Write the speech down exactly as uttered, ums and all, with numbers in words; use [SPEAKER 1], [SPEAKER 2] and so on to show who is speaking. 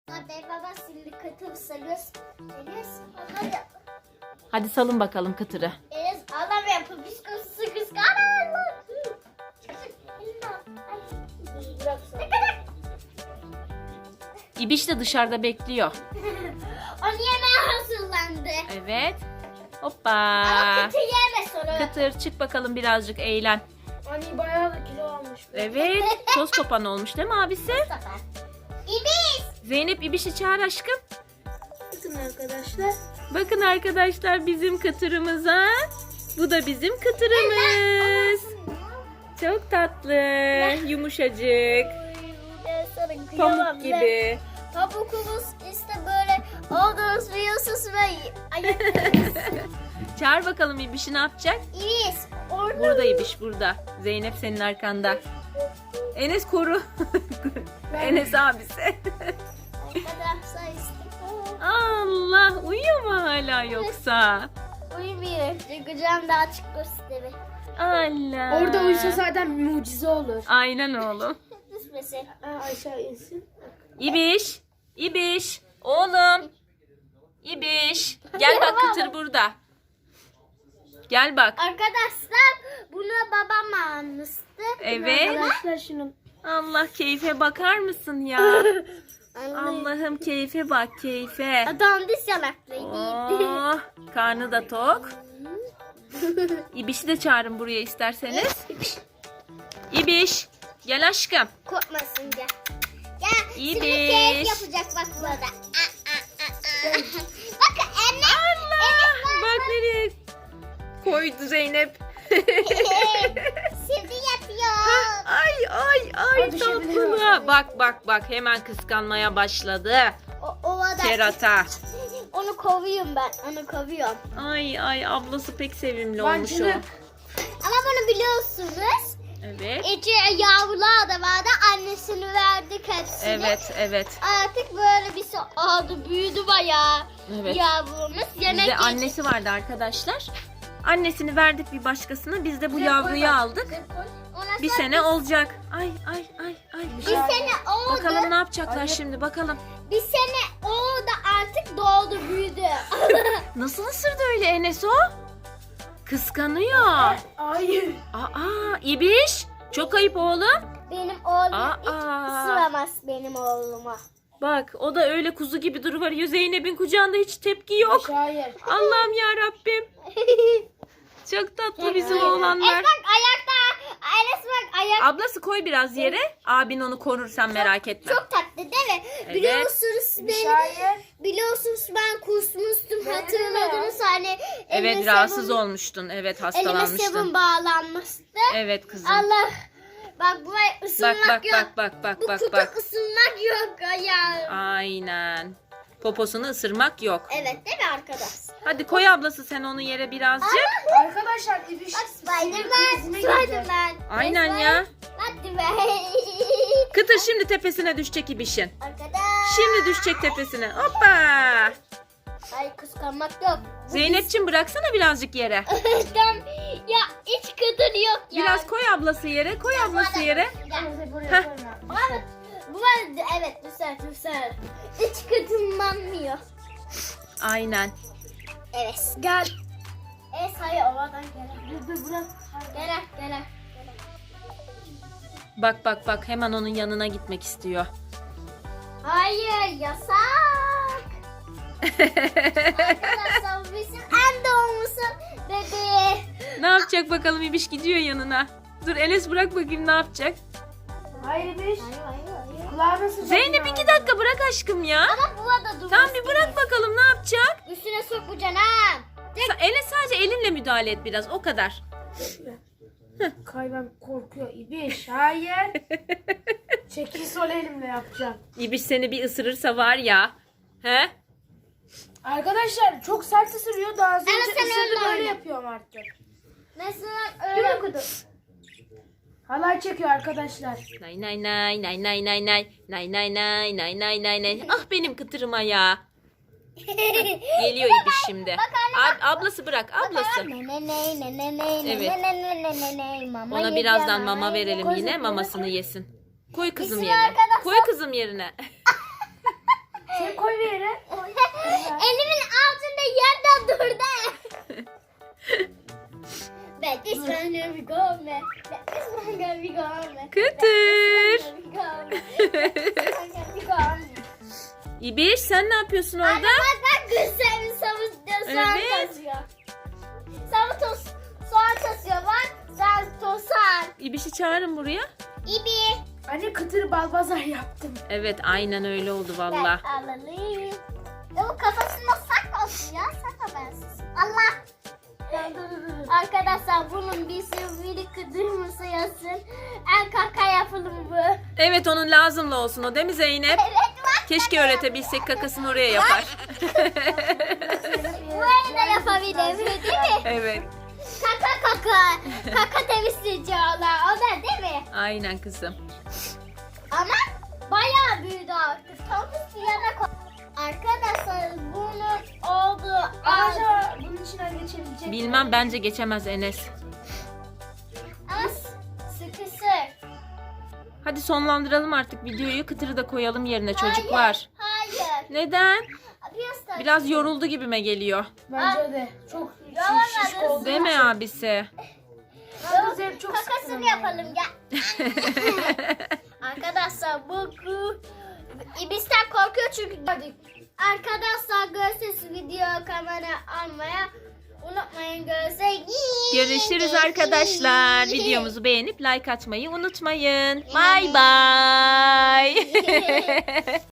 [SPEAKER 1] Hadi baba şimdi kıtır salıyoruz. Enes hadi.
[SPEAKER 2] Hadi salın bakalım kıtırı.
[SPEAKER 1] Enes adam yapıyor. Biz kızı kız karar.
[SPEAKER 2] İbiş de dışarıda bekliyor.
[SPEAKER 1] Onu yemeye hazırlandı.
[SPEAKER 2] Evet. Hoppa.
[SPEAKER 1] Ama kıtır yeme sonra.
[SPEAKER 2] Kıtır çık bakalım birazcık eğlen.
[SPEAKER 3] Anne bayağı da kilo almış.
[SPEAKER 2] Evet. Toz kopan olmuş değil mi abisi?
[SPEAKER 1] İbiş.
[SPEAKER 2] Zeynep İbiş'i çağır aşkım.
[SPEAKER 3] Bakın arkadaşlar.
[SPEAKER 2] Bakın arkadaşlar bizim kıtırımıza. Bu da bizim kıtırımız. Çok tatlı. Yumuşacık. Pamuk gibi.
[SPEAKER 1] Pamukumuz işte böyle olduğunuz biliyorsunuz ve
[SPEAKER 2] Çağır bakalım İbiş'i ne yapacak?
[SPEAKER 1] İbiş. Orada.
[SPEAKER 2] Burada İbiş burada. Zeynep senin arkanda. Enes koru. Enes abisi.
[SPEAKER 1] Arkadaşlar işte.
[SPEAKER 2] Allah uyuyor mu hala yoksa?
[SPEAKER 1] Uyumuyor. Kucağım daha açık gösteri.
[SPEAKER 2] Allah.
[SPEAKER 3] Orada uyusa zaten mucize olur.
[SPEAKER 2] Aynen oğlum.
[SPEAKER 1] Düşmesin.
[SPEAKER 3] Aa, aşağı insin.
[SPEAKER 2] İbiş. İbiş. Oğlum. İbiş. Gel bak kıtır burada. Gel bak.
[SPEAKER 1] Arkadaşlar bunu babam almıştı.
[SPEAKER 2] Evet.
[SPEAKER 3] Arkadaşlar şunu.
[SPEAKER 2] Allah keyfe bakar mısın ya? Allah'ım keyfe bak keyfe.
[SPEAKER 1] Adam diş yanaklıydı.
[SPEAKER 2] Oh, karnı da tok. İbiş'i de çağırın buraya isterseniz. İbiş. Gel aşkım.
[SPEAKER 1] Korkmasın gel. Gel. Şimdi
[SPEAKER 2] İbiş.
[SPEAKER 1] keyif yapacak bak burada. Bakın anne.
[SPEAKER 2] Allah. Bak nereye koydu Zeynep.
[SPEAKER 1] Şimdi yapıyor.
[SPEAKER 2] Ay ay ay
[SPEAKER 3] Hadi şimdi
[SPEAKER 2] tatlına. Bak bak bak hemen kıskanmaya başladı.
[SPEAKER 1] O, ovada.
[SPEAKER 2] Kerata.
[SPEAKER 1] Onu kovuyorum ben. Onu kovuyorum.
[SPEAKER 2] Ay ay ablası pek sevimli
[SPEAKER 3] Ben
[SPEAKER 2] olmuş o.
[SPEAKER 3] şimdi-
[SPEAKER 1] Ama bunu biliyorsunuz.
[SPEAKER 2] Evet.
[SPEAKER 1] İçi yavrular da vardı. Annesini verdik hepsini.
[SPEAKER 2] Evet evet.
[SPEAKER 1] Artık böyle bir şey oldu. Büyüdü bayağı.
[SPEAKER 2] Evet.
[SPEAKER 1] Yavrumuz. Yemek
[SPEAKER 2] Bizde
[SPEAKER 1] yiyecek.
[SPEAKER 2] annesi vardı arkadaşlar. Annesini verdik bir başkasına. Biz de bu
[SPEAKER 1] Koy,
[SPEAKER 2] yavruyu
[SPEAKER 1] koy bak.
[SPEAKER 2] aldık.
[SPEAKER 1] Ona
[SPEAKER 2] Bir
[SPEAKER 1] sonra
[SPEAKER 2] sene olacak. Ay ay ay ay.
[SPEAKER 1] Bir sene oldu.
[SPEAKER 2] Bakalım ne yapacaklar şimdi bakalım.
[SPEAKER 1] Bir sene oldu artık doğdu büyüdü.
[SPEAKER 2] Nasıl ısırdı öyle Enes o? Kıskanıyor.
[SPEAKER 3] Hayır.
[SPEAKER 2] Aa İbiş. Çok ayıp oğlum.
[SPEAKER 1] Benim oğlum
[SPEAKER 2] Aa.
[SPEAKER 1] hiç ısıramaz benim oğluma.
[SPEAKER 2] Bak o da öyle kuzu gibi duruyor. Zeynep'in kucağında hiç tepki yok.
[SPEAKER 3] Hayır.
[SPEAKER 2] Allah'ım ya Rabbim. Çok tatlı bizim oğlanlar.
[SPEAKER 1] Enes bak ayakta. Enes bak ayak.
[SPEAKER 2] Ablası koy biraz yere. Abin onu korur sen merak etme.
[SPEAKER 1] Çok tatlı değil mi?
[SPEAKER 2] Evet.
[SPEAKER 1] Biliyorsunuz beni.
[SPEAKER 3] Hayır.
[SPEAKER 1] Biliyorsunuz ben kusmuştum
[SPEAKER 3] Benim
[SPEAKER 1] hatırladınız hani.
[SPEAKER 2] Evet
[SPEAKER 1] elime
[SPEAKER 2] rahatsız
[SPEAKER 1] sabun-
[SPEAKER 2] olmuştun. Evet
[SPEAKER 1] Elime
[SPEAKER 2] hastalanmıştın.
[SPEAKER 1] sabun bağlanmıştı.
[SPEAKER 2] Evet kızım.
[SPEAKER 1] Allah. Bak buraya
[SPEAKER 2] Bak
[SPEAKER 1] ısınmak
[SPEAKER 2] bak
[SPEAKER 1] yok.
[SPEAKER 2] bak bak bak
[SPEAKER 1] Bu
[SPEAKER 2] bak
[SPEAKER 1] kutu
[SPEAKER 2] bak.
[SPEAKER 1] ısınmak yok ya.
[SPEAKER 2] Aynen. Poposunu ısırmak yok.
[SPEAKER 1] Evet değil mi arkadaş?
[SPEAKER 2] Hadi koy ablası sen onu yere birazcık.
[SPEAKER 3] Arkadaşlar ibiş.
[SPEAKER 1] Bak Spiderman.
[SPEAKER 3] krizine girecek.
[SPEAKER 1] Spiderman.
[SPEAKER 2] Aynen ya.
[SPEAKER 1] Hadi be.
[SPEAKER 2] Kıtır şimdi tepesine düşecek İbiş'in.
[SPEAKER 1] Arkadaş.
[SPEAKER 2] Şimdi düşecek tepesine. Hoppa.
[SPEAKER 1] Ay kıskanmak yok. Bu
[SPEAKER 2] Zeynep'ciğim bıraksana birazcık yere.
[SPEAKER 1] biz- Tam- ya hiç kadın yok ya.
[SPEAKER 2] Biraz koy ablası yere. Koy ablası yere.
[SPEAKER 1] Ya.
[SPEAKER 3] Buraya
[SPEAKER 2] Heh.
[SPEAKER 3] koyma.
[SPEAKER 1] Ama bu var evet güzel güzel. Hiç kadınlanmıyor.
[SPEAKER 2] Aynen.
[SPEAKER 1] Evet. Gel. Evet hayır oradan gel.
[SPEAKER 3] Dur dur bırak.
[SPEAKER 1] Gel gel.
[SPEAKER 2] Bak bak bak hemen onun yanına gitmek istiyor.
[SPEAKER 1] Hayır yasak. Arkadaşlar bu bizim en doğumlusu bebeği.
[SPEAKER 2] Ne yapacak bakalım İbiş gidiyor yanına. Dur Enes bırak bakayım ne yapacak.
[SPEAKER 3] Hayır ibiş.
[SPEAKER 1] Hayır hayır hayır.
[SPEAKER 3] Kulağına sıcak.
[SPEAKER 2] Zeynep iki dakika bırak aşkım ya.
[SPEAKER 1] Ama bu da dur.
[SPEAKER 2] Tamam bir bırak bakalım ne yapacak.
[SPEAKER 1] Üstüne sok bu canım.
[SPEAKER 2] Sa- Enes sadece elinle müdahale et biraz o kadar.
[SPEAKER 3] Kayban korkuyor. İbiş. Hayır. Çekil sol elimle yapacağım.
[SPEAKER 2] İbiş seni bir ısırırsa var ya. He?
[SPEAKER 3] Arkadaşlar çok sert ısırıyor. Daha az önce
[SPEAKER 1] Evet, sen öyle
[SPEAKER 3] ısırdı böyle
[SPEAKER 1] oyna.
[SPEAKER 3] yapıyorum artık.
[SPEAKER 1] Mesela öyle kudu.
[SPEAKER 3] Halay çekiyor arkadaşlar.
[SPEAKER 2] Nay nay nay nay nay nay nay nay nay nay nay nay nay nay. Ah benim kıtırıma ya. Geliyor İbiş şimdi. Ab- ablası bırak ablası. Evet. Ona birazdan mama verelim yine mamasını yesin. Koy kızım
[SPEAKER 1] Bizim
[SPEAKER 2] yerine.
[SPEAKER 1] arkadaşlar-
[SPEAKER 2] Koy kızım yerine. İbiş sen ne yapıyorsun orada?
[SPEAKER 1] Anne bak bak gözlerini savunuyor. Soğan
[SPEAKER 2] Evet.
[SPEAKER 1] tasıyor. Savun tos. Soğan tasıyor bak. Sen tosan.
[SPEAKER 2] İbiş'i çağırın buraya.
[SPEAKER 1] İbi.
[SPEAKER 3] Anne kıtır balbazar yaptım.
[SPEAKER 2] Evet aynen öyle oldu valla.
[SPEAKER 1] Ben alalım. Ya bu kafasında sak olsun ya. Sak bensiz. Allah. Arkadaşlar bunun bir sivri kıdırması yazsın. En kaka yapılımı bu.
[SPEAKER 2] Evet onun lazımlı olsun o değil mi Zeynep?
[SPEAKER 1] Evet bak.
[SPEAKER 2] Keşke öğretebilsek kakasını oraya yapar.
[SPEAKER 1] Burayı da yapabilirim değil mi?
[SPEAKER 2] Evet.
[SPEAKER 1] Kaka kaka. Kaka temizleyici olan o da değil mi?
[SPEAKER 2] Aynen kızım.
[SPEAKER 1] Ama bayağı büyüdü artık. Tam bir yana koy. Arkadaşlar bunun olduğu ağacı
[SPEAKER 3] Acaba bunun içinden geçebilecek mi?
[SPEAKER 2] Bilmem bence geçemez Enes.
[SPEAKER 1] ama sıkışır.
[SPEAKER 2] Hadi sonlandıralım artık videoyu. Kıtırı da koyalım yerine çocuklar.
[SPEAKER 1] Hayır. Hayır.
[SPEAKER 2] Neden?
[SPEAKER 1] Biraz, da-
[SPEAKER 2] Biraz yoruldu gibime geliyor.
[SPEAKER 3] Bence de. Çok
[SPEAKER 1] Yalan
[SPEAKER 3] şiş, şiş
[SPEAKER 1] adresi.
[SPEAKER 3] oldu.
[SPEAKER 2] Değil mi abisi?
[SPEAKER 3] Ben de çok sıkıldım
[SPEAKER 1] Kakasını
[SPEAKER 3] yani.
[SPEAKER 1] yapalım gel. Arkadaşlar bu bu İbis'ten korkuyor çünkü. Arkadaşlar görüşürüz video kamera almaya unutmayın görüşürüz.
[SPEAKER 2] Görüşürüz arkadaşlar. Videomuzu beğenip like atmayı unutmayın. Bye bye.